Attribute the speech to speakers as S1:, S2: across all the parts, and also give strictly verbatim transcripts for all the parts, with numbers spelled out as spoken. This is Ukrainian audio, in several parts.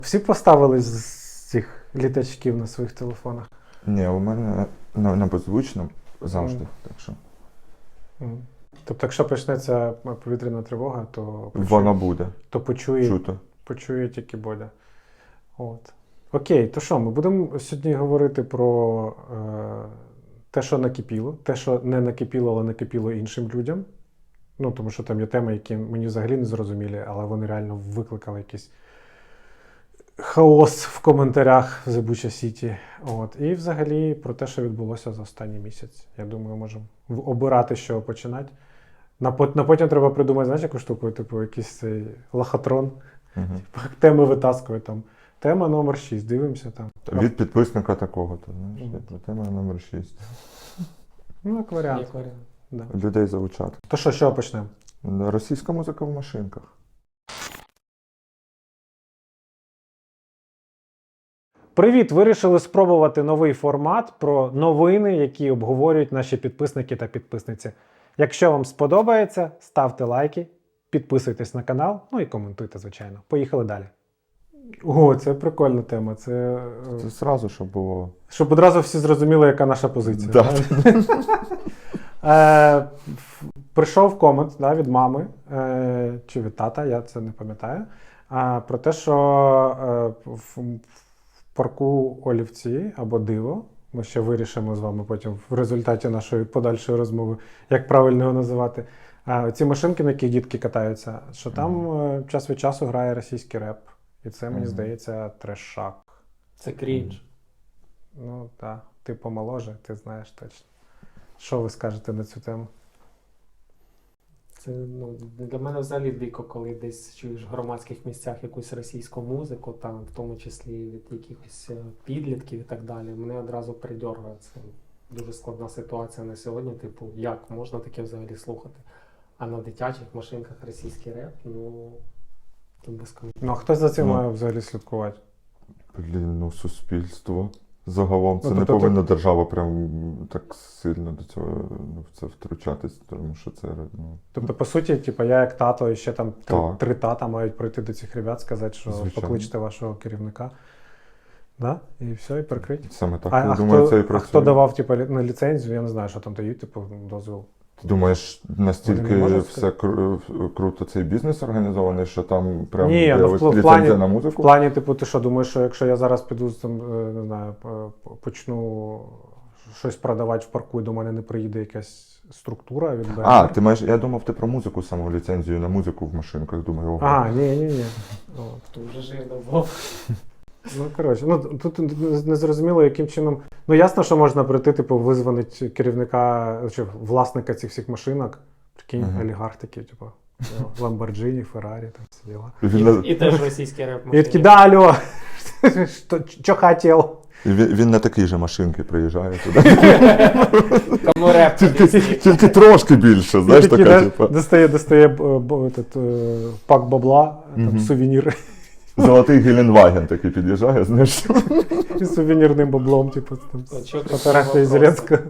S1: Всі поставили з цих літачків на своїх телефонах?
S2: Ні, у мене на, на беззвучному завжди.
S1: Mm.
S2: Так що.
S1: Mm. Тобто, якщо почнеться повітряна тривога, то почує,
S2: Вона буде.
S1: то почує,
S2: Чуто.
S1: почує тільки Бодя. От. Окей, то що, ми будемо сьогодні говорити про е, те, що накипіло, те, що не накипіло, але накипіло іншим людям. Ну, тому що там є теми, які мені взагалі не зрозумілі, але вони реально викликали якийсь хаос в коментарях в The Bucha City. От. І взагалі про те, що відбулося за останній місяць. Я думаю, можемо обирати, з чого починати. На, на потім треба придумати, знаєш, яку штуку, типу якийсь цей лохотрон.
S2: Угу.
S1: Типу, теми витаскує там. Тема номер шість, дивимося там.
S2: Від підписника такого-то, знаєш,
S1: Мгм.
S2: тема номер шість.
S1: Ну, як варіант.
S3: Як варіант.
S1: Да.
S2: Людей залучати.
S1: То що, з чого почнемо?
S2: Російська музика в машинках.
S1: Привіт! Вирішили спробувати новий формат про новини, які обговорюють наші підписники та підписниці. Якщо вам сподобається, ставте лайки, підписуйтесь на канал, ну і коментуйте, звичайно. Поїхали далі. О, це прикольна тема. Це, е,
S2: Це зразу, щоб було.
S1: щоб одразу всі зрозуміли, яка наша позиція.
S2: Да.
S1: Е, ф- Прийшов комент, да, від мами е, чи від тата, я це не пам'ятаю, е, про те, що е, в, в парку Олівці або Диво, ми ще вирішимо з вами потім в результаті нашої подальшої розмови, як правильно його називати, е, ці машинки, на яких дітки катаються, що там е, час від часу грає російський реп. І це, мені
S2: Мгм.
S1: здається, трешак.
S3: Це крінж.
S1: Ну, так, ти помоложе, ти знаєш точно. Що ви скажете на цю тему?
S3: Це, ну, для мене взагалі дико, коли десь чуєш в громадських місцях якусь російську музику, там, в тому числі від якихось е, підлітків і так далі. Мене одразу придьоргує. Це дуже складна ситуація на сьогодні. Типу, як можна таке взагалі слухати? А на дитячих машинках російський реп, ну, тут без коментарів.
S1: Ну, а хто за цим
S2: Ну.
S1: має взагалі слідкувати?
S2: Блін, ну суспільство. Загалом це
S1: Ну,
S2: не
S1: тобто
S2: повинна держава прям так сильно до цього ну, в це втручатись, тому що це ну,
S1: Тобто, по суті, типу, я як тато і ще там три,
S2: Так.
S1: три тата мають прийти до цих ребят, сказати, що
S2: Звичайно.
S1: покличте вашого керівника. Да? І все, і прикрить.
S2: саме так.
S1: А,
S2: я
S1: а,
S2: думаю,
S1: хто,
S2: це і
S1: а
S2: працює.
S1: хто давав типу, лі- на ліцензію, я не знаю, що там дають, типу, дозвіл.
S2: Ти думаєш,
S1: Вони
S2: настільки
S1: не можуть
S2: все кру- круто цей бізнес організований, що там прям
S1: Ні,
S2: є
S1: ну, в
S2: ось
S1: пл- в
S2: ліцензія
S1: плані-
S2: на
S1: В
S2: музику?
S1: плані, типу, ти що, думаєш, що якщо я зараз піду, там, е, не знаю, п- почну щось продавати в парку, і до мене не приїде якась структура від БНР?
S2: А, ти маєш, я думав, ти про музику саму ліцензію на музику в машинках, думаю, ого.
S1: А, ні, ні, ні.
S3: Хто вже жив давно.
S1: Ну, коротше, ну тут не зрозуміло, яким чином. Ну, ясно, що можна прийти, типу, визвонити керівника чи власника цих всіх машинок. Прикинь,
S2: Ага.
S1: олігарх такий, типу, Ламборджині, Феррарі, там всі діла.
S2: І він, на-
S3: І, і теж російський реп.
S1: І такі, да, алло, що, що хотів?
S2: і він, він на такій же машинки приїжджає туди.
S3: Кому реп
S2: Тільки,
S3: російський.
S2: тільки трошки більше, знаєш,
S1: І такий,
S2: така,
S1: знаєш,
S2: типу,
S1: достає, достає б- б- этот, е, пак бабла, там,
S2: Мгм.
S1: сувенір,
S2: золотий Геленваген такий під'їжджає, знаєш.
S1: і сувенірним баблом, типу, там,
S3: От чого ти
S1: фотографія
S3: всі вопроси?
S1: Зеленського.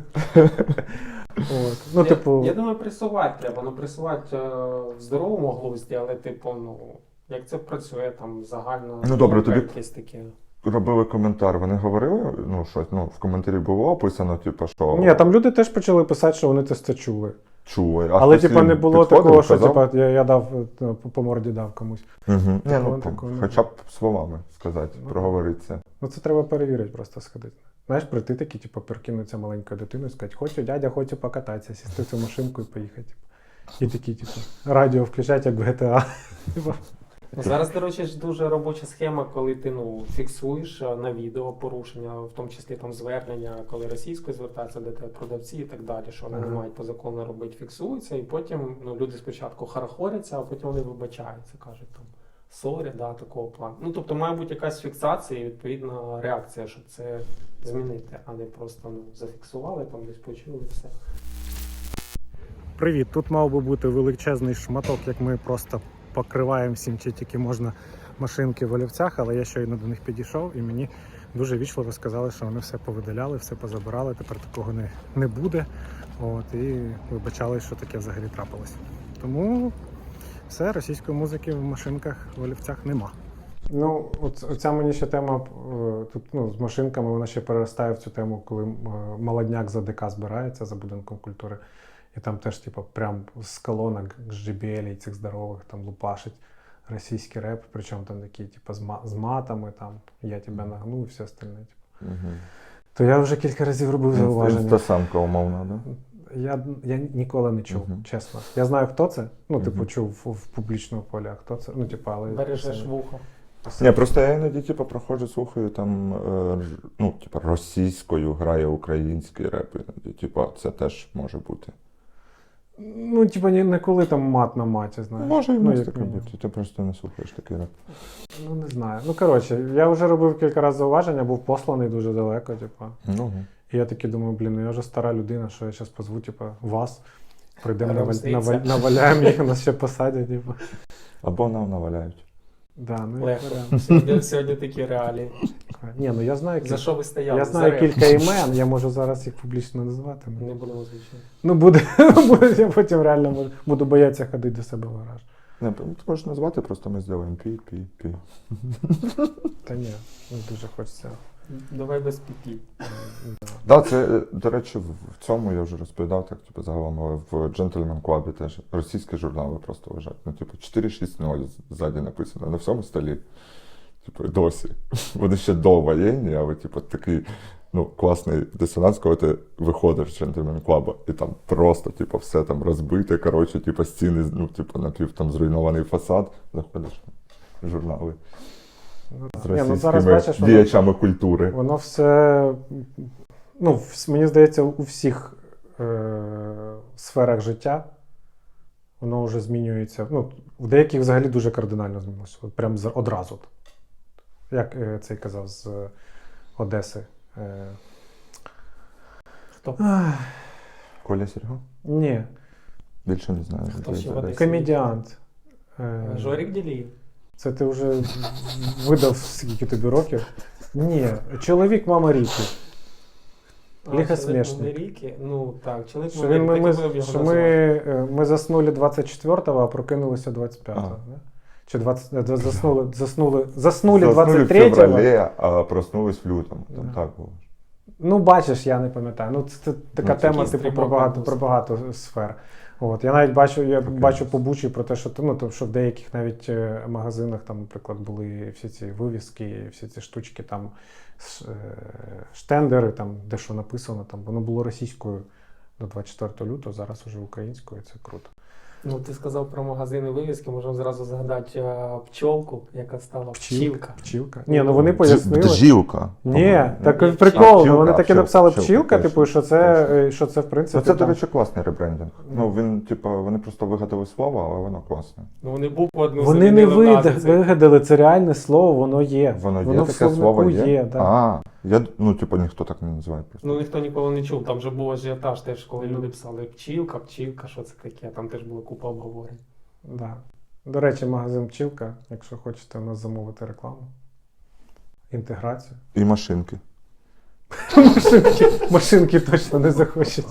S1: От. Ну,
S3: я,
S1: типу,
S3: я думаю, пресувати треба. Ну, пресувати е, в здоровому глузді, але, типу, ну, як це працює, там, загально...
S2: Ну, добре, тобі-
S3: якесь таке.
S2: Робили коментар, вони говорили, ну, щось, ну, в коментарі було описано, типу, що
S1: ні, там люди теж почали писати, що вони це чули.
S2: чули. А
S1: Але,
S2: хтось
S1: типа,
S2: їм
S1: не було
S2: підходив,
S1: такого, що
S2: казав?
S1: типа, я, я дав е, по, по морді дав комусь.
S2: Угу. Ні,
S1: Такого-
S2: ну,
S1: такого не
S2: хоча б словами сказати,
S1: Ну,
S2: проговоритися.
S1: Ну це треба перевірити, просто сходити. Знаєш, прийти такі, типу, перекинуться маленькою дитиною і сказати, хочу, дядя, хочу покататися, сісти в цю машинку і поїхати. Типу. І такі, типу, радіо включать, як в джі ті ей. Типу,
S3: Ну, зараз, до речі, ж дуже робоча схема, коли ти ну, фіксуєш е, на відео порушення, в тому числі там звернення, коли російською звертаються до тебе продавці і так далі, що вони
S1: Ага.
S3: не мають по закону робити, фіксуються, і потім ну, люди спочатку харахоряться, а потім вони вибачаються, кажуть там сорі, да, такого плану. Ну, тобто має бути якась фіксація і відповідна реакція, щоб це змінити, а не просто ну, зафіксували, там десь почули і все.
S1: Привіт, тут мав би бути величезний шматок, як ми просто покриваємо всім, чи тільки можна машинки в Олівцях, але я щойно до них підійшов і мені дуже вічливо сказали, що вони все повидаляли, все позабирали, тепер такого не, не буде. От, і вибачали, що таке взагалі трапилось. Тому все, російської музики в машинках в Олівцях нема. Ну, от, оця мені ще тема е, тут, ну, з машинками, вона ще переростає в цю тему, коли е, молодняк за ДК збирається за будинком культури. І там теж, типу, прям з колонок, з джей бі ел цих здорових там лупашить російський реп, причому там такі, типу, з, ма- з матами, там, я тебе нагну і все остальне. Типу.
S2: Угу.
S1: То я вже кілька разів робив зауваження.
S2: Інстасамка умовна, да?
S1: Я, я ніколи не чув,
S2: Мгм.
S1: чесно. Я знаю, хто це. Ну, типу,
S2: Мгм.
S1: чув в, в публічному полі, а хто це. Ну, типу, але.
S3: Бережеш
S1: це-
S3: вухо.
S2: Ні, просто я іноді типу, проходжу, слухаю там, е, ж- ну, типу, російською грає український реп. Іноді, типу, це теж може бути.
S1: Ну, типу, ні, не коли там мат на маті, знаєш.
S2: Може і в
S1: ну,
S2: нас
S1: як
S2: таке
S1: мінімум.
S2: бути, ти просто не слухаєш такий реп.
S1: Ну, не знаю. Ну, коротше, я вже робив кілька разів зауваження, був посланий дуже далеко, типу.
S2: Ну,
S1: І я таки думаю, блін, ну я вже стара людина, що я зараз позву, типу, вас. Прийдемо, наваль...
S3: Розліться.
S1: наваль... наваляємо їх, нас ще посадять, типу.
S2: або нам наваляють.
S1: Да, ну, як
S3: Легко.
S1: варіант.
S3: Сьогодні, сьогодні такі реалії.
S1: Ні, ну я знаю,
S3: За
S1: кіль...
S3: що ви стояли?
S1: я
S3: За
S1: знаю
S3: реп.
S1: кілька імен, я можу зараз їх публічно назвати. ну.
S3: Не будемо звичайно.
S1: Ну, буде, буде, я потім реально можу- буду боятися ходити до себе в гараж.
S2: Не, ти можеш назвати, просто ми зробимо пі, пі, пі.
S1: Та ні, не дуже хочеться.
S3: Давай без піпі.
S2: Да, це, е, до речі, в в цьому я вже розповідав, так, типу, загалом, але в Gentleman Club теж російські журнали просто лежать. Ну, типу, чотири шість нуль ззаді написано на всьому столі. Типу, досі. Вони ще довоєнні, але, типу, такий, ну, класний дисонанс, коли ти виходиш з Gentleman Club, і там просто, типу, все там розбите, коротше, типу, стіни, ну, типу, напів там зруйнований фасад, заходиш в журнали
S1: Ну,
S2: з
S1: так. Ні, ну, зараз
S2: російськими
S1: бачиш, воно,
S2: діячами культури.
S1: воно все, ну, вс- мені здається, у всіх е- сферах життя воно вже змінюється. Ну, в деяких взагалі дуже кардинально змінилося. От прям з- одразу. Як е, цей казав з е, Одеси. Е-
S3: Хто?
S1: ах,
S2: Коля Серго?
S1: ні,
S2: Більше не знаю.
S3: Хто ще в Одесі?
S1: комедіант. Е,
S3: Жорик Діліїв.
S1: Це ти вже видав скільки тобі років? Ні, чоловік мама Ріки. Лихосмішник.
S3: Ріки. Ну так, чоловік
S1: Що, він, ми,
S3: так і
S1: ми,
S3: будемо його
S1: що ми,
S3: називати.
S1: е, ми заснули двадцять четвертого, а прокинулися двадцять п'ятого.
S2: А.
S1: Да? Чи двадцять, е, заснули, заснули, заснули
S2: Заснули
S1: двадцять
S2: в
S1: третього.
S2: февралі, а проснулись в лютому. Там
S1: Да.
S2: так було.
S1: Ну, бачиш, я не пам'ятаю. Ну, це, це така
S2: Ну,
S1: тема,
S3: якийсь
S1: типу, про
S3: стрімок
S1: багато,
S3: був.
S1: про багато сфер. От. Я навіть бачу, я
S2: Окей.
S1: бачу по Бучі про те, що, ну, то, що в деяких навіть е, магазинах, там, наприклад, були всі ці вивіски, всі ці штучки, там, ш- е, штендери, там, де що написано, там, воно було російською до двадцять четвертого лютого, зараз уже українською, це круто.
S3: Ну, ти сказав про магазини вивіски, можемо зразу згадати е, пчолку, яка стала пчілка.
S1: Пчілка. Ні, ну вони пояснили.
S2: Бджілка.
S1: Ні, так
S3: Ні,
S1: прикол,
S2: пчілка,
S1: ну вони таки
S2: пчілка,
S1: написали
S2: пчілка,
S1: пчілка,
S2: точно,
S1: типу, що це,
S2: точно.
S1: е, що це в
S2: Ну,
S1: принципі.
S2: це, до
S1: там-
S2: речі, класний ребрендинг. Ну, він, типу, вони просто вигадали слово, але воно класне.
S3: Ну, вони букву одну
S1: Вони не
S3: замінили в
S1: вид-
S3: назві.
S1: вигадали, це реальне слово, воно є.
S2: Воно є
S1: в
S2: таке
S1: словнику
S2: слово є?
S1: да.
S2: А, я, ну, типу, ніхто так не називає просто.
S3: Ну, ніхто ніколи не чув. Там же був ажіотаж теж, коли люди писали пчілка, пчілка, що це таке. Там теж була купа обговорень.
S1: Да. До речі, магазин Пчілка, якщо хочете у нас замовити рекламу. Інтеграцію.
S2: І машинки.
S1: Машинки, машинки точно не захочуть.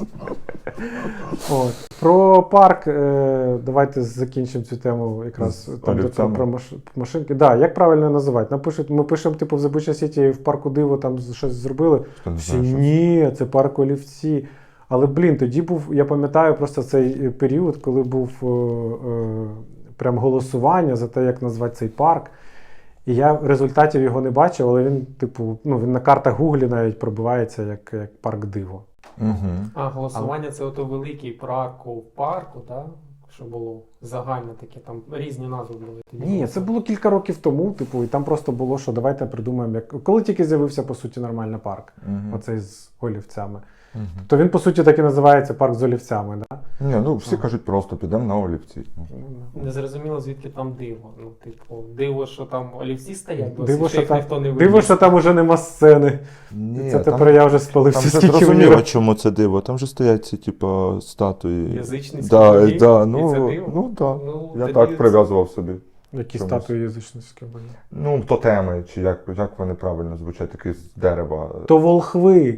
S1: От. Про парк, е, давайте закінчимо цю тему якраз
S2: З
S1: там, де про,
S2: олівцями.
S1: про маш- машинки. Да, як правильно називати? Напишуть, ми пишемо, типу, в Забуча Сіті в парку Диво там щось зробили.
S2: Хто не
S1: Всі,
S2: знає, що це.
S1: ні, це парк Олівці. Але, блін, тоді був, я пам'ятаю просто цей е, період, коли був е, е, прям голосування за те, як назвати цей парк. І я результатів його не бачив, але він, типу, ну, він на картах Гуглі навіть пробивається як, як парк Диво.
S2: Мгм.
S3: А голосування це ото великий парку в парку, так? Що було загальне таке, там різні назви були. Тоді
S1: Ні, це було кілька років тому, типу, і там просто було, що давайте придумаємо, як. Коли тільки з'явився, по суті, нормальний парк,
S2: Мгм.
S1: оцей з олівцями,
S2: Мгм.
S1: то він, по суті, так і називається парк з олівцями, да?
S2: Ні, ну всі
S1: Ага.
S2: кажуть просто підемо на олівці. Ну.
S3: Не зрозуміло, звідки там диво. Ну, типу, диво, що там олівці стоять, досі,
S1: Диво,
S3: що
S1: що
S3: їх
S1: там,
S3: ніхто не
S1: диво,
S3: вивіз.
S1: що там уже нема сцени.
S2: Ні,
S1: Це
S2: там,
S1: тепер я вже спалився,
S2: там же
S1: скільки
S2: зрозуміло,
S1: мені.
S2: чому це диво. Там же стоять ці, типу, статуї.
S3: Язичницькі
S2: Да,
S3: боги,
S2: да,
S3: і
S2: ну,
S3: це диво?
S2: ну, да.
S3: Ну,
S2: Я
S3: тоді
S2: так
S3: це-
S2: прив'язував собі.
S1: Які
S2: Чомусь.
S1: статуї язичницькі були?
S2: Ну, тотеми, чи як, як вони правильно звучать, такі з дерева.
S1: То волхви.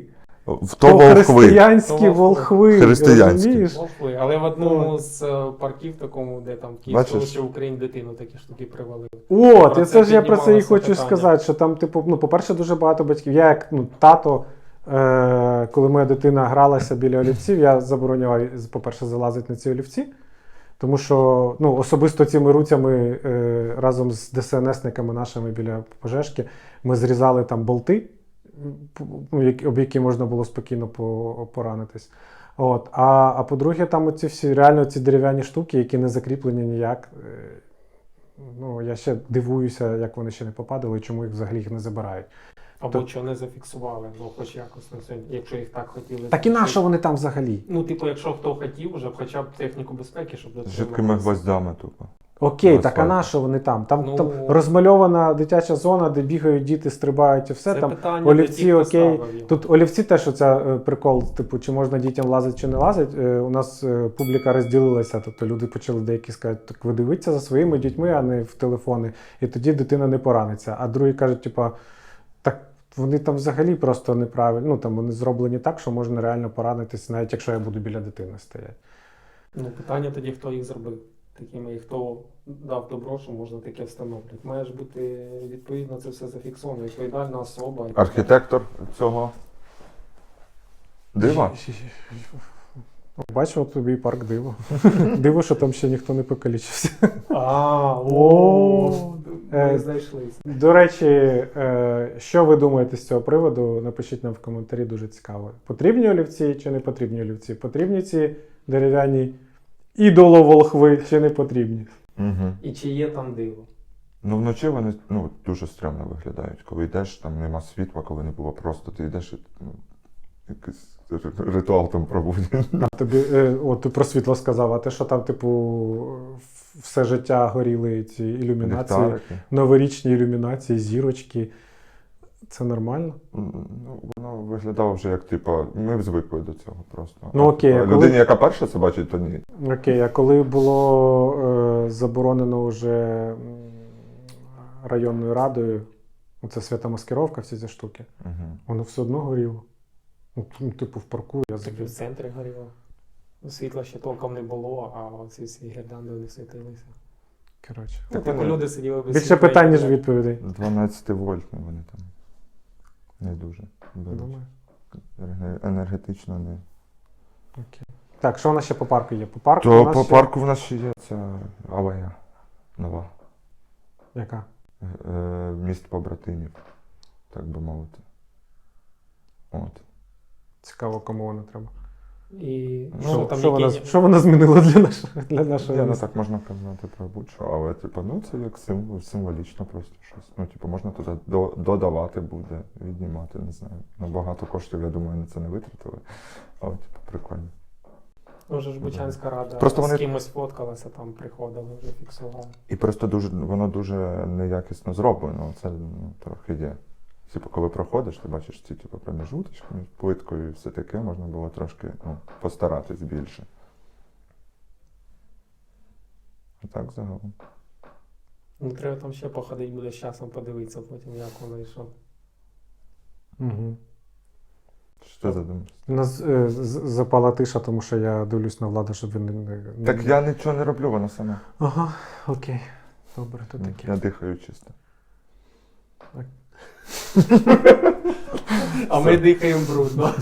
S2: В то волхви.
S1: Християнські
S3: То
S1: волхви.
S2: Християнські.
S1: розумієш?
S3: Волхви. Але в одному з е, парків такому, де там Київ,
S2: Бачиш?
S3: що в Україні дитину такі штуки привалили.
S1: От,
S3: Про
S1: і
S3: це
S1: це ж я про це і
S3: піднімалося
S1: хочу
S3: питання.
S1: сказати, що там, типу, ну, по-перше, дуже багато батьків. Я як ну, тато, е- коли моя дитина гралася біля олівців, я забороняв, по-перше, залазити на ці олівці. Тому що ну, особисто цими руцями е, разом з ДСНСниками нашими біля пожежки ми зрізали там болти, ну, які- об які можна було спокійно по- поранитись. От. А, а по-друге, там оці всі реально ці дерев'яні штуки, які не закріплені ніяк. е, Ну, я ще дивуюся, як вони ще не попадали і чому їх взагалі їх не забирають.
S3: Або
S1: То-
S3: що не зафіксували, ну хоч якось на сьогодні, якщо їх так хотіли.
S1: Так і на що вони там взагалі?
S3: Ну, типу, якщо хто хотів, вже хоча б техніку безпеки, щоб
S2: З
S3: дотримувалися.
S2: жидкими гвоздями тупо.
S1: Окей,
S2: На
S1: так а
S2: асфальті.
S1: на що вони там? Там,
S3: Ну,
S1: там розмальована дитяча зона, де бігають діти, стрибають і все.
S3: Це
S1: там
S3: питання
S1: олівці,
S3: до тих, хто
S1: окей.
S3: ставив їх.
S1: Тут олівці теж оця е, прикол, типу, чи можна дітям лазити, чи не лазити. Е, у нас е, публіка розділилася, тобто люди почали деякі сказати, так ви дивіться за своїми дітьми, а не в телефони, і тоді дитина не пораниться. А другі кажуть, типу, так вони там взагалі просто неправильно, ну там вони зроблені так, що можна реально поранитись, навіть якщо я буду біля дитини стояти.
S3: Ну, питання тоді, хто їх зробив такими, і хто дав добро, що можна таке встановлювати. Має ж бути відповідно це все зафіксовано, відповідальна особа. і-
S2: Архітектор цього дива.
S1: Бачив тобі і парк диво. Диво, що там ще ніхто не покалічився.
S3: А,
S1: О,
S3: о,
S1: е,
S3: ми знайшлися.
S1: До речі, е, що ви думаєте з цього приводу? Напишіть нам в коментарі, дуже цікаво. Потрібні олівці чи не потрібні олівці? Потрібні ці дерев'яні ідоловолхви чи не потрібні?
S2: Угу.
S3: І чи є там диво?
S2: Ну вночі вони ну, дуже стрьомно виглядають. Коли йдеш, там нема світла, коли не було просто, ти йдеш і ну, якийсь ри- ритуал там проводять.
S1: А тобі, е, от ти про світло сказав, а те, що там, типу, все життя горіли ці ілюмінації,
S2: Ліхтарики.
S1: новорічні ілюмінації, зірочки. Це нормально?
S2: Ну, воно виглядало вже як, типу, ми звикли до цього просто.
S1: Ну, окей,
S2: А
S1: а коли-
S2: людині, яка перша це бачить, то ні.
S1: Окей, а коли було е, заборонено вже м, районною радою, оце свята маскировка, всі ці штуки,
S2: Угу.
S1: воно все одно горіло. Ну, т- ну, типу, в парку я
S3: Так і в
S1: забув.
S3: центрі горіло. Світла ще толком не було, а оці всі гірлянди не світилися.
S1: Коротше.
S3: Ну, типу, люди сиділи без
S1: Більше
S3: світла і
S1: питань, ніж
S3: так.
S1: відповідей.
S2: дванадцять вольтні вони там. Не дуже. беруть.
S1: Думаю.
S2: Енер- Енергетично не.
S1: Окей. Так, що у нас ще по парку є? По парку у
S2: То
S1: нас
S2: по
S1: ще...
S2: парку в нас ще є ця алея нова.
S1: Яка?
S2: Е, Міст побратимів, так би мовити. От.
S1: Цікаво, кому вона треба.
S3: І
S2: Ну,
S3: що там
S1: що, вона,
S3: які...
S1: що вона змінила для нашого, для нашого
S2: Я не
S1: міста?
S2: так можна казати про будь-що, але типу, ну це як символ, символічно просто щось. Ну, типу, можна туди до- додавати буде, віднімати, не знаю. Ну, багато коштів, я думаю, на це не витратили. Але типу, прикольно.
S3: Може ж Бучанська рада
S2: Просто
S3: з
S2: вони-
S3: кимось фоткалася, там приходили, вже фіксували.
S2: І просто дуже, воно дуже неякісно зроблено. Це ну, трохи є. Типу, коли проходиш, ти бачиш ці типу, проміжуточки між плиткою і все таке, можна було трошки ну, постаратись більше. А так загалом.
S3: Ну, треба там ще походити, буде з часом подивитися потім, як воно і що.
S1: Угу.
S2: Що ти задумався?
S1: У нас е, з- запала тиша, тому що я дивлюсь на владу, щоб він не... не-
S2: Так я нічого не роблю, воно саме.
S1: Ага, окей. Добре, то
S2: Ну,
S1: таке.
S2: Я дихаю чисто.
S3: А ми дихаємо брудно.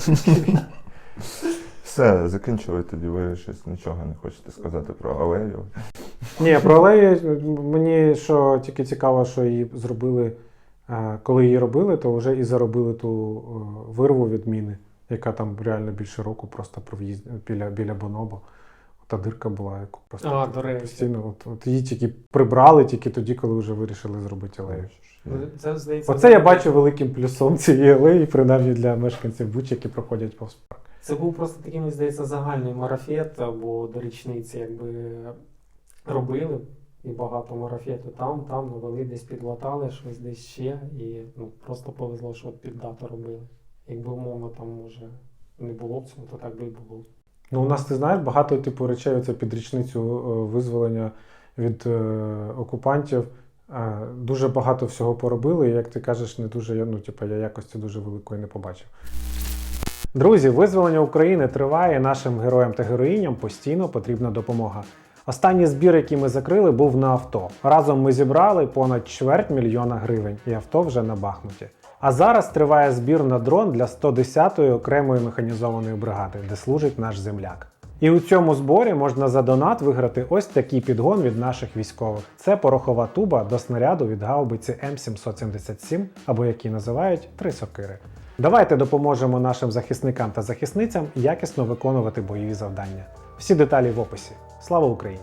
S2: Все, закінчили тоді, ви щось нічого не хочете сказати про алею.
S1: Ні, про алеї мені що тільки цікаво, що її зробили, е, коли її робили, то вже і заробили ту е, вирву від міни, яка там реально більше року просто про в'їзд біля, біля Бонобо. Та дирка була, яку просто
S3: А,
S1: типу,
S3: до речі.
S1: постійно. От, от її тільки прибрали тільки тоді, коли вже вирішили зробити алею.
S3: Ну, Це, здається,
S1: Оце я бачу великим плюсом цієї алеї, принаймні для мешканців Бучі, які проходять повз парк.
S3: Це був просто такий, мені здається, загальний марафет, бо до річниці якби робили і багато марафету там, там навели, десь підлатали щось десь ще, і ну, просто повезло, що от під дату робили. Якби умовно там може не було б цього, то так би і було.
S1: Ну, у нас, ти знаєш, багато типу речей оце під річницю е, визволення від е, окупантів. Е, дуже багато всього поробили, і, як ти кажеш, не дуже, я, ну, типу, я якості дуже великої не побачив. Друзі, визволення України триває. Нашим героям та героїням постійно потрібна допомога. Останній збір, який ми закрили, був на авто. Разом ми зібрали понад чверть мільйона гривень, і авто вже на Бахмуті. А зараз триває збір на дрон для сто десятої окремої механізованої бригади, де служить наш земляк. І у цьому зборі можна за донат виграти ось такий підгон від наших військових. Це порохова туба до снаряду від гаубиці М сімсот сімдесят сім, або які називають «три сокири». Давайте допоможемо нашим захисникам та захисницям якісно виконувати бойові завдання. Всі деталі в описі. Слава Україні!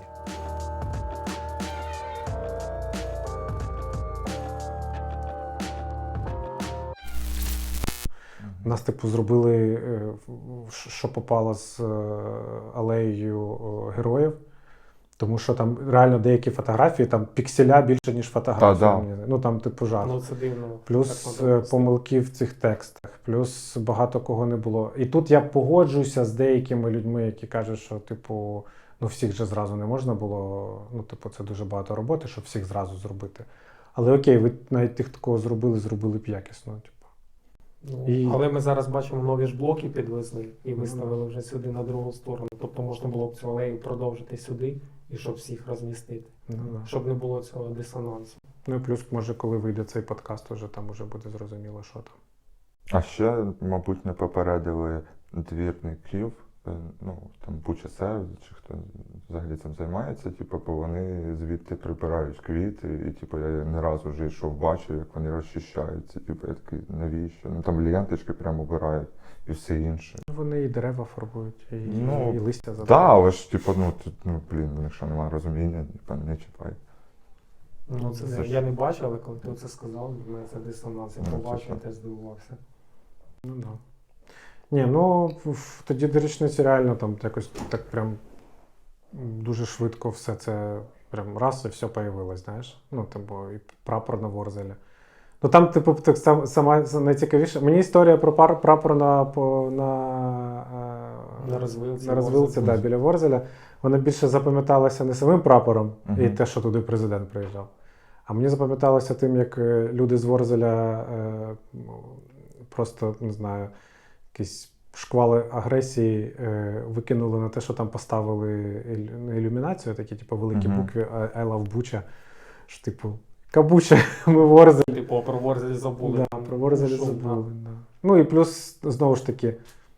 S1: Нас, типу, зробили, е, що попало з е, алеєю е, героїв, тому що там реально деякі фотографії, там пікселя більше, ніж фотографії.
S2: Та, да.
S1: Ну там типу жах.
S3: Ну це дивно.
S1: Плюс
S3: Так надо
S1: е, помилки в цих текстах, плюс багато кого не було. І тут я погоджуюся з деякими людьми, які кажуть, що типу, ну всіх же зразу не можна було. Ну, типу, це дуже багато роботи, щоб всіх зразу зробити. Але окей, ви навіть тих, такого зробили, зробили б якісно. Типу.
S3: Ну,
S1: І-
S3: Але ми зараз бачимо, нові ж блоки підвезли і
S1: Ну,
S3: виставили вже сюди на другу сторону. Тобто можна було б цю алею продовжити сюди і щоб всіх розмістити.
S1: Ну, да.
S3: Щоб не було цього дисонансу.
S1: Ну і плюс, може, коли вийде цей подкаст, уже там уже буде зрозуміло, що там.
S2: А ще, мабуть, не попередили двірників, е, ну, там Буча, чи хто взагалі цим займається, типу, бо вони звідти прибирають квіти, і типу, я не разу вже йшов, бачив, як вони розчищаються, типу, я такий, навіщо? Ну там ленточки прямо обирають і все інше.
S1: Вони і дерева фарбують, і,
S2: Ну,
S1: і листя
S2: Так,
S1: забирають.
S2: да, але ж, типу, ну, тут, ну, блін, у них що немає розуміння, типу, не чіпай.
S3: Ну, це,
S2: Це ж-
S3: я не бачив, але коли ти це сказав, в мене це дисонанс. Я
S2: Ну,
S3: побачив,
S2: типу.
S3: теж здивувався.
S1: Ну, да. Ні, ну в- тоді до річниці реально там якось так прям дуже швидко все це прям раз і все появилось, знаєш. Ну, типу, і прапор на Ворзелі. Ну там, типу, так сам- сама найцікавіше. Мені історія про пар, прапор на, по, на, е,
S3: На розвилці
S1: на розвилці,
S3: Ворзеля.
S1: да, біля Ворзеля. Вона більше запам'яталася не самим прапором і
S2: Мгм.
S1: те, що туди президент приїжджав. А мені запам'яталося тим, як е, люди з Ворзеля е, ну, просто, не знаю, якісь шквали агресії е, викинули на те, що там поставили ілю- не ілюмінацію, такі, типу, великі
S2: Мгм.
S1: букви I love Буча. Що, типу, Кабуча, ми Ворзель.
S3: Типу, про Ворзелі забули.
S1: Да,
S3: там
S1: про Ворзелі
S3: шум,
S1: забули. Да. Ну і плюс, знову ж таки,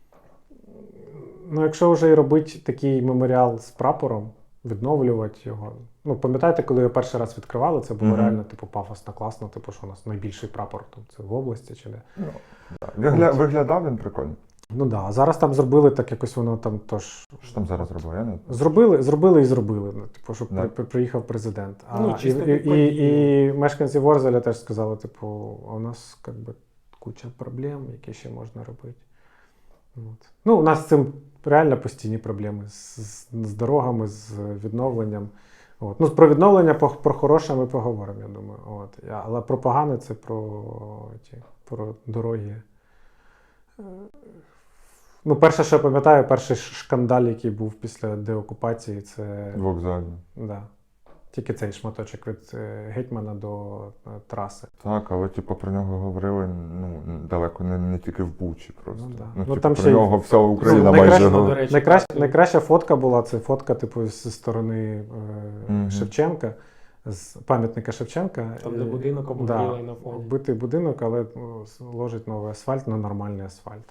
S1: ну якщо вже і робити такий меморіал з прапором, відновлювати його. Ну, пам'ятаєте, коли його перший раз відкривали, це було
S2: Мгм.
S1: реально типу пафосно, класно, типу, що у нас найбільший прапор там, це в області чи де.
S2: Ну, да. Вигля... Виглядав він прикольно.
S1: Ну так, да. А зараз там зробили так, якось воно там тож.
S2: Що там зараз робив? Я не...
S1: Зробили, зробили і зробили. Ну, типу, щоб
S2: Да.
S1: при, при- приїхав президент. А,
S3: Ну,
S1: і,
S3: чисто
S1: і,
S3: під
S1: і,
S3: подію.
S1: і мешканці Ворзеля теж сказали, типу, а у нас как би, куча проблем, які ще можна робити. От. Ну, у нас з цим реально постійні проблеми з, з, з дорогами, з відновленням. От. Ну, про відновлення, по- про хороше ми поговоримо, я думаю. От. Я- Але про погане це про, ті, про дороги. Е, Ну, перше, що я пам'ятаю, перший ш- шкандаль, який був після деокупації, це
S2: Вокзально.
S1: да, тільки цей шматочок від е, гетьмана до е, траси.
S2: Так, але типу про нього говорили ну, далеко не, не тільки в Бучі просто.
S1: Ну, да.
S2: Ну,
S1: Ну,
S2: типу,
S1: там
S2: про
S1: ще й-
S2: нього вся Україна
S1: Ну,
S2: майже.
S1: найкраще,
S2: ну,
S3: до речі,
S1: Найкраща,
S3: так.
S1: найкраща фотка була це фотка, типу, зі сторони е,
S2: Мгм.
S1: Шевченка, з пам'ятника Шевченка.
S3: Там, де
S1: Е,
S3: будинок
S1: да,
S3: обгорілий на фоні.
S1: Вбитий будинок, але ну, с- ложить новий асфальт на нормальний асфальт.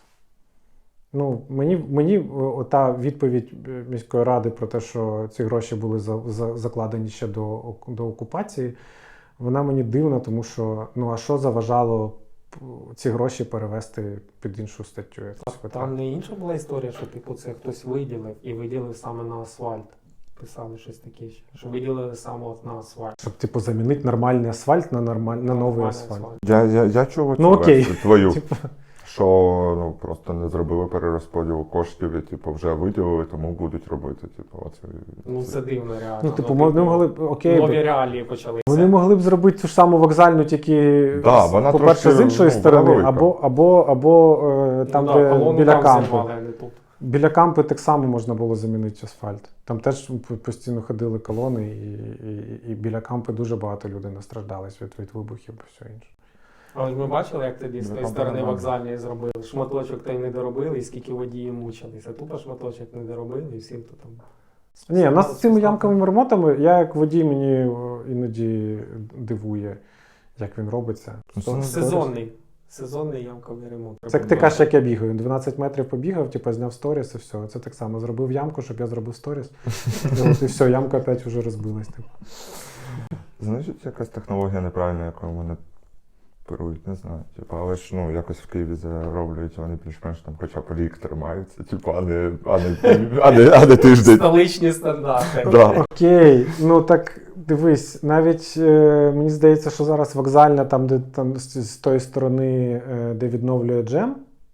S1: Ну, мені, мені о, та відповідь е, міської ради про те, що ці гроші були за, за, закладені ще до, ок- до окупації, вона мені дивна, тому що ну а що заважало п- ці гроші перевести під іншу статтю? якусь витрат?
S3: Там не інша була історія, що типу це хтось виділив і виділив саме на асфальт. Писали щось таке, ще, що виділили саме от на асфальт.
S1: Щоб типу замінити нормальний асфальт на нормаль... на новий
S3: Нормальний
S1: асфальт.
S2: Я, я, я чув оцю
S1: Ну, окей.
S2: версію твою,
S1: Типу,
S2: що ну, просто не зробили перерозподілу коштів і типу, вже виділили, тому будуть робити. Типу, оце,
S3: Ну це дивно реально.
S1: ну, типу, вони могли б окей.
S3: Нові
S1: б-
S3: реалії почалися.
S1: Вони могли б зробити ту ж саму вокзальну, тільки
S2: Да,
S1: з-
S2: вона
S1: по-перше,
S2: трошки,
S1: з іншої
S2: ну,
S1: сторони,
S2: велика.
S1: або, або, або е, там,
S3: ну, да,
S1: де
S3: колону
S1: біля
S3: там
S1: кампу.
S3: зірвали, а не тут.
S1: Біля кампи так само можна було замінити асфальт. Там теж п- постійно ходили колони, і, і, і біля кампи дуже багато людей настраждались від, від вибухів і все інше.
S3: Але ж ми бачили, як тоді з
S2: Ну,
S3: тої
S2: там
S3: сторони
S2: нормально.
S3: вокзальної зробили. Шматочок той не доробили, і скільки водії мучилися. Тупо шматочок не доробили, і всім то там.
S1: Ні, у нас з цими ямковими ремонтами, я як водій, мені о, іноді дивує, як він робиться.
S2: Ну,
S1: Сто-
S3: Сезонний. Сезонний ямковий ремонт.
S1: Це як ти кажеш, як я бігаю. дванадцять метрів побігав, типу, зняв сторіс і все. Це так само. Зробив ямку, щоб я зробив сторіс. І от і все, ямка опять вже розбилась. Типу.
S2: Значить, якась технологія неправильна, якою вони оперують, не знаю. Типу, але ж ну, якось в Києві зароблюють, вони більш-менш там хоча б рік тримаються, типу, а не, а не, а не, а не тиждень.
S3: Столичні стандарти.
S2: Да.
S1: Окей, ну так дивись, навіть е, мені здається, що зараз вокзальна, там, де там з, з тої сторони, е, де відновлює джем,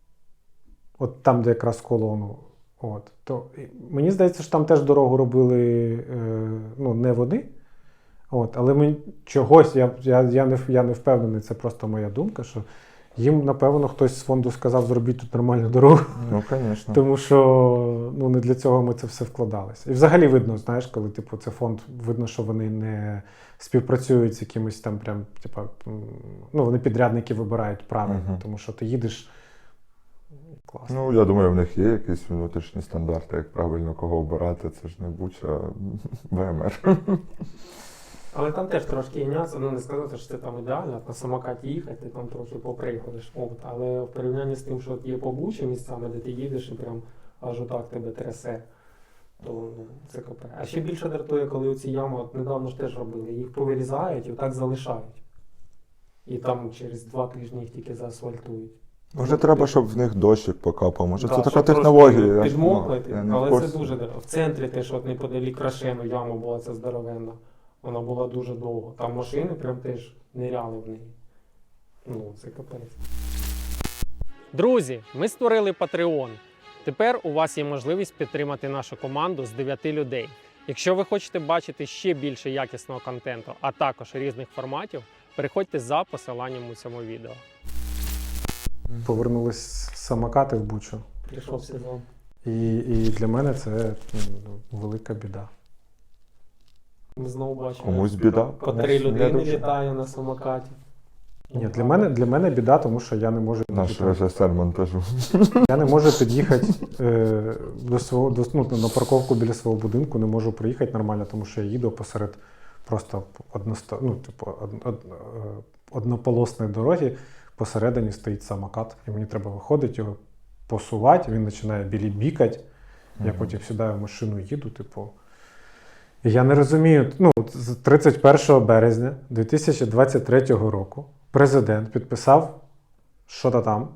S1: от там, де якраз колону, от, то і мені здається, що там теж дорогу робили е, ну, не вони. От, але мені чогось, я, я, я, не, я не впевнений, це просто моя думка, що їм, напевно, хтось з фонду сказав, зробіть тут нормальну дорогу.
S2: Ну, звісно.
S1: Тому що ну, не для цього ми це все вкладалися. І взагалі видно, знаєш, коли типу, це фонд, видно, що вони не співпрацюють з якимось там прям, типу, м, ну, вони підрядники вибирають правильно,
S2: Мгм.
S1: тому що ти їдеш класно.
S2: Ну, я думаю, в них є якісь внутрішні стандарти, як правильно кого обирати, це ж не Буча, а ВМР.
S3: Але там теж трошки є нюанси, ну не сказати, що це там ідеально, на самокаті їхати, ти там трохи поприходиш. От, але в порівнянні з тим, що от є побучі місцями, де ти їдеш і прям аж отак тебе трясе, то ну, це капе. А ще більше дратує, коли оці ями, от недавно ж теж робили, їх повирізають і отак залишають. І там через два тижні їх тільки заасфальтують.
S2: Може, треба, щоб в них дощик покапав. Може,
S3: Да,
S2: це така
S3: щоб трошки
S2: технологія. я ж, ну,
S3: Підмокнути,
S2: я не в
S3: але
S2: курсі.
S3: це дуже дорого. В центрі теж от неподалік Крашену яма була ця здоровенна. Вона була дуже довго. Там машини прям теж ниряли в неї. Ну, це капець. Друзі, ми створили Patreon. Тепер у вас є можливість підтримати нашу команду з дев'яти людей. Якщо ви хочете бачити ще більше якісного контенту, а також різних форматів, переходьте за посиланням у цьому відео.
S1: Повернулись самокати в Бучу.
S3: Прийшов сезон.
S1: І, і для мене це ну, велика біда.
S3: Ми знову бачимо.
S2: Комусь біда.
S3: По три
S2: комусь не
S3: людини
S2: дуже.
S3: літає на самокаті.
S1: Ні, для мене, для мене біда, тому що я не можу
S2: Наш режисер монтажу.
S1: Я не можу під'їхати е, до свого до, ну, на парковку біля свого будинку, не можу приїхати нормально, тому що я їду посеред просто односто, ну, типу, од, од, е, однополосної дороги, посередині стоїть самокат, і мені треба виходити, його посувати, він починає білі бікати, я
S2: Мгм.
S1: потім сідаю в машину, їду, типу. І я не розумію, ну, з тридцять першого березня дві тисячі двадцять третього року президент підписав що-то там,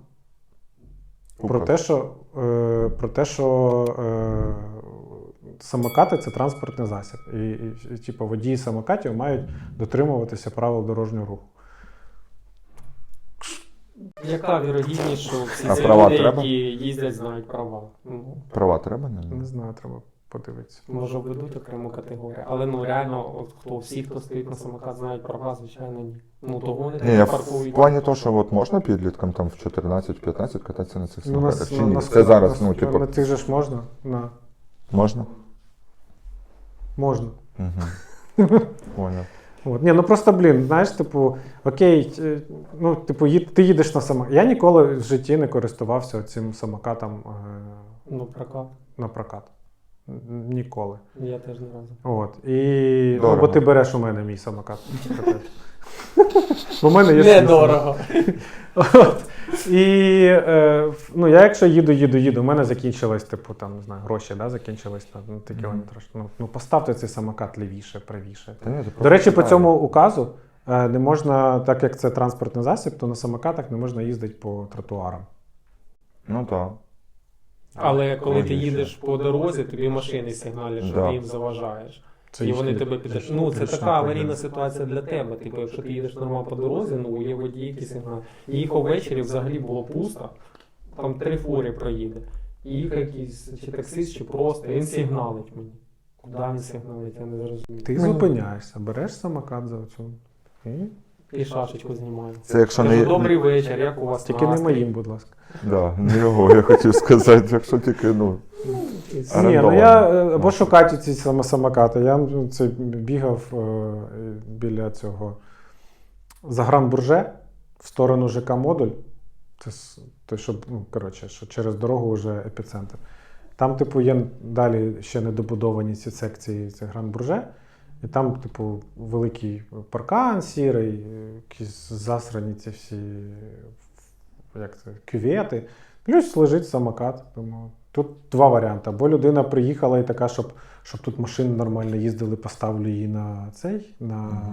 S1: про те, що, е, про те, що е, самокати це транспортний засіб. І, і, і типу, водії самокатів мають дотримуватися правил дорожнього руху.
S3: Яка вірогідність, що всі
S2: А
S3: ці
S2: права
S3: люди,
S2: треба?
S3: які їздять, знають права? Ну,
S2: Права треба, не?
S1: Не знаю, треба подивитися.
S3: може введуть окрему категорію. Але ну реально, от хто всі, хто стоїть на самокат, знають права, звичайно, ні. Ну того вони
S2: Ні,
S3: так
S2: в
S3: паркують.
S2: плані того, що от можна підліткам там в чотирнадцять-п'ятнадцять кататися на цих
S1: Ну, на,
S2: самокатах, чи
S1: на,
S2: ні?
S1: на,
S2: Це зараз,
S1: на,
S2: ну, типу,
S1: на тих же ж можна? На.
S2: можна?
S1: Можна.
S2: Угу. Поняв.
S1: От. Ні, ну просто, блін, знаєш, типу, окей, е, ну, типу, їд, ти їдеш на самокат. Я ніколи в житті не користувався цим самокатом е,
S3: Ну, прокат.
S1: на прокат. Н- Ніколи.
S3: Я теж не разу.
S1: От. І, ну,
S2: Дорого.
S1: бо ти береш у мене мій самокат. Бо в мене є свій
S3: Недорого.
S1: От. І е, в- ну, я якщо їду, їду, їду, у мене закінчилось, типу, там, не знаю, гроші, да, закінчились на, на той
S2: Мгм.
S1: кілометр. Ну, ну, поставте цей самокат лівіше, правіше.
S2: Та ні, ти
S1: До
S2: просто
S1: речі, по
S2: чекай.
S1: цьому указу е, не можна, так як це транспортний засіб, то на самокатах не можна їздити по тротуарам.
S2: Ну так.
S3: Але коли ти
S2: Логічно.
S3: їдеш по дорозі, тобі машини сигналять, що
S2: Да.
S3: ти їм заважаєш.
S1: Це
S3: І вони
S1: їхня-
S3: тебе підтримують.
S1: їхня-
S3: Ну, це
S1: їхня
S3: така аварійна
S1: проблема.
S3: ситуація для тебе. Типу, якщо ти їдеш нормально по дорозі, ну є водії, які сигналять. Їхав ввечері, взагалі було пусто, там три фури проїде. І їхав якийсь чи таксист, чи просто, він сигналить мені. Куди він сигналить, я не зрозумів.
S1: Ти зупиняєшся, береш самокат за оцю. І...
S3: І шашечку знімаю.
S2: Це якщо
S3: Кажу,
S2: не...
S3: добрий вечір, як у вас
S1: Тільки не
S3: настрій?
S1: моїм, будь ласка.
S2: Да, не його, я хотів сказати, якщо тільки, ну...
S3: І
S1: Ні,
S3: все.
S1: ну
S2: Орендовані.
S1: я е, або
S2: Ну.
S1: шукати ці саме самокати. Я ну, це бігав е, біля цього Загранбурже. в сторону ЖК-модуль, це с- той, що, ну, коротше, що через дорогу вже епіцентр. Там, типу, є далі ще недобудовані ці секції, це Гран-Бурже. І там, типу, великий паркан сірий, якісь засрані ці всі, як це, кювети. Плюс лежить самокат. Тому тут два варіанти. Або людина приїхала і така, щоб, щоб тут машини нормально їздили, поставлю її на цей, на...
S2: Мгм.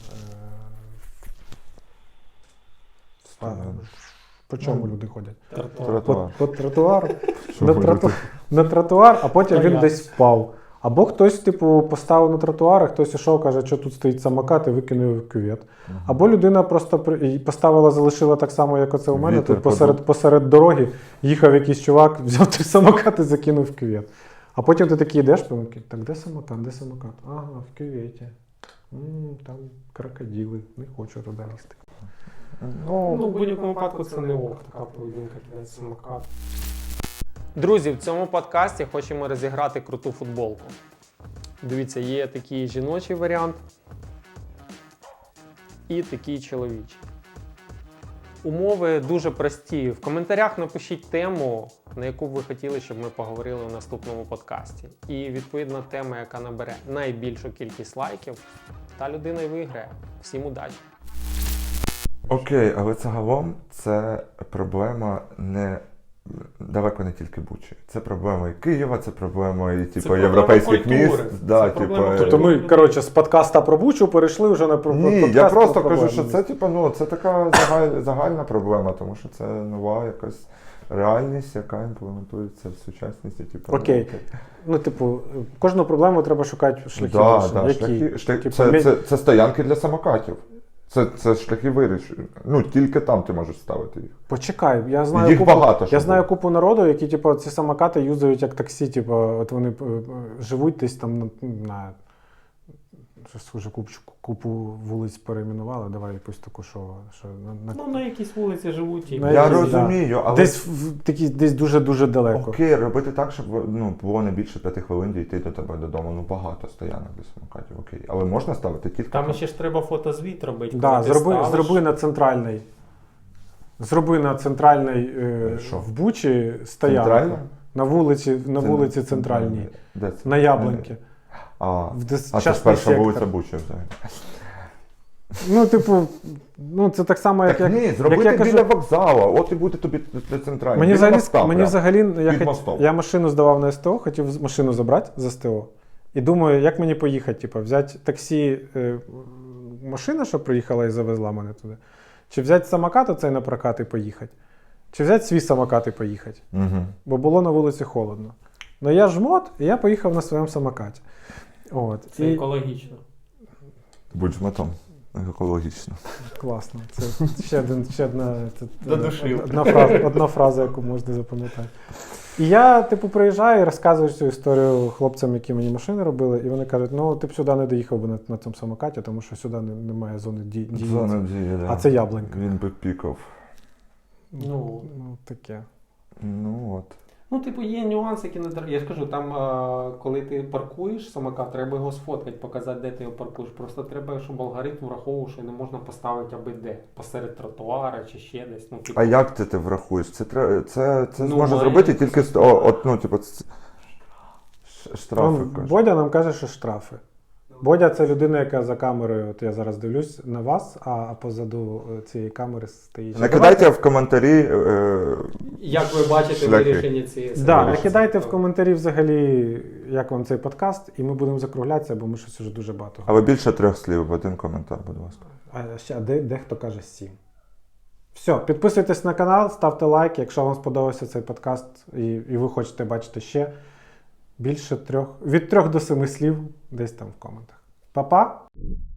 S1: Е, а, по чому люди ходять?
S3: Тротуар.
S1: По,
S2: Тротуар.
S1: по тротуару.
S2: Що
S1: на,
S2: ходити?
S1: троту... на тротуар, а потім
S3: Та
S1: він
S3: я.
S1: десь впав. Або хтось, типу, поставив на тротуар, а хтось ішов, каже, що тут стоїть самокат, і викинув в кювет.
S2: Мгм.
S1: Або людина просто при- і поставила, залишила так само, як оце у мене.
S2: Вітер
S1: Тут посеред,
S2: подув.
S1: посеред дороги їхав якийсь чувак, взяв той самокат і закинув в кювет. А потім ти такий йдеш, помилки, так де самокат, де самокат? Ага, в кюветі. М, там крокодили, не хочу туди лізти.
S3: Ну, в будь-якому випадку це не ок, така поведінка кидає самокат. Друзі, в цьому подкасті хочемо розіграти круту футболку. Дивіться, є такий жіночий варіант і такий чоловічий. Умови дуже прості. В коментарях напишіть тему, на яку б ви хотіли, щоб ми поговорили в наступному подкасті. І відповідно тема, яка набере найбільшу кількість лайків, та людина й виграє. Всім удачі!
S2: Окей, але загалом це проблема не далеко не тільки Бучі. Це проблема і Києва, це проблема і типу,
S3: проблема
S2: європейських
S3: культури.
S2: міст. Да,
S3: Це проблема
S2: типу,
S3: культури.
S1: Тобто ми, коротше, з подкаста про Бучу перейшли вже на про
S2: Ні,
S1: подкаст
S2: я
S1: про
S2: просто кажу,
S1: проблеми.
S2: що це типу, ну, це така загаль, загальна проблема, тому що це нова якась реальність, яка імплементується в сучасності. Типу,
S1: Окей.
S2: ну,
S1: Ну, типу, кожну проблему треба шукати шляхи.
S2: Да,
S1: вирішення.
S2: да,
S1: Які?
S2: шляхи, шляхи,
S1: Типу,
S2: це,
S1: мі-
S2: це, це стоянки для самокатів. Це, це шляхи вирішення. Ну, тільки там ти можеш ставити їх.
S1: Почекай, я знаю
S2: Їх
S1: купу,
S2: багато,
S1: я
S2: що
S1: знаю
S2: було.
S1: купу народу, які типу, ці самокати юзають як таксі, типу, от вони е, е, живуть десь там на, на щось вже купу, купу вулиць перейменували, давай якусь таку, що, що на, на,
S3: Ну, на якійсь вулиці живуть і
S1: На
S2: Я
S1: якісь,
S2: розумію, але
S1: десь в такі, десь дуже-дуже далеко.
S2: окей, робити так, щоб ну, було не більше п'яти хвилин дійти до тебе додому. Ну, багато стоянок для самокатів, окей. Але можна ставити тільки
S3: там ще ж треба фотозвіт робити.
S1: Да,
S3: коли ти
S1: зроби,
S3: ставиш.
S1: зроби на центральний. Зроби на центральний е,
S2: Що?
S1: в Бучі стоянку.
S2: Центральна?
S1: На вулиці, на
S2: Це
S1: вулиці
S2: не-
S1: центральній.
S2: Де це?
S1: На Яблоньки.
S2: А,
S1: В дес-
S2: а це ж
S1: частний
S2: перша
S1: сектор.
S2: вулиця Бучі взагалі.
S1: Ну, типу, ну це так само, як,
S2: Так
S1: як,
S2: ні, зробити
S1: як я
S2: біля
S1: кажу.
S2: вокзалу, от і буде тобі для центральної.
S1: Мені
S2: Біля
S1: взагалі,
S2: моста
S1: мені
S2: прям.
S1: взагалі я,
S2: Під
S1: хот...
S2: мостом.
S1: я машину здавав на СТО, хотів з- машину забрати з СТО. І думаю, як мені поїхати, типу, взяти таксі, е, машина, що приїхала і завезла мене туди. Чи взяти самокат оцей на прокат і поїхати. Чи взяти свій самокат і поїхати.
S2: Угу.
S1: Бо було на вулиці холодно. Ну я жмот, і я поїхав на своєму самокаті. От.
S3: Це
S1: І...
S3: екологічно.
S2: Будь жмотом. Екологічно.
S1: Класно. Це ще, один, ще одна, це,
S3: Додушив.
S1: одна, фраза, одна фраза, яку можна запам'ятати. І я, типу, приїжджаю і розказую цю історію хлопцям, які мені машини робили, і вони кажуть, ну ти б сюди не доїхав би на, на цьому самокаті, тому що сюди не- немає зони ді- дії.
S2: Зона дії, да.
S1: А це Яблонька.
S2: Він би пікав.
S3: Ну.
S1: ну таке.
S2: Ну от.
S3: Ну, типу, є нюанси, які не треба. Я ж кажу, там, а, коли ти паркуєш самокат, треба його сфоткати, показати, де ти його паркуєш. Просто треба, щоб алгоритм враховував, що не можна поставити аби де. Посеред тротуара чи ще десь. Ну, типу,
S2: А як це ти врахуєш? Це треба, це, це
S3: Ну,
S2: зможе
S3: має-
S2: зробити тільки з- о, от, ну, типу, ц- ш- штрафи.
S1: Вон
S2: кажуть.
S1: Бодя нам каже, що штрафи. Бодя це людина, яка за камерою, от я зараз дивлюсь на вас, а позаду е, цієї камери стоїть.
S2: Накидайте в коментарі. Е,
S3: Як ви бачите
S2: шляхи.
S3: вирішення цієї
S1: Да,
S3: ситуації?
S1: накидайте в коментарі взагалі, як вам цей подкаст, і ми будемо закруглятися, бо ми щось вже дуже багато.
S2: але більше трьох слів в один коментар, будь ласка.
S1: А ще де, дехто каже сім. Все, підписуйтесь на канал, ставте лайк, якщо вам сподобався цей подкаст і, і ви хочете бачити ще більше трьох, від трьох до семи слів десь там в коментах. Па-па!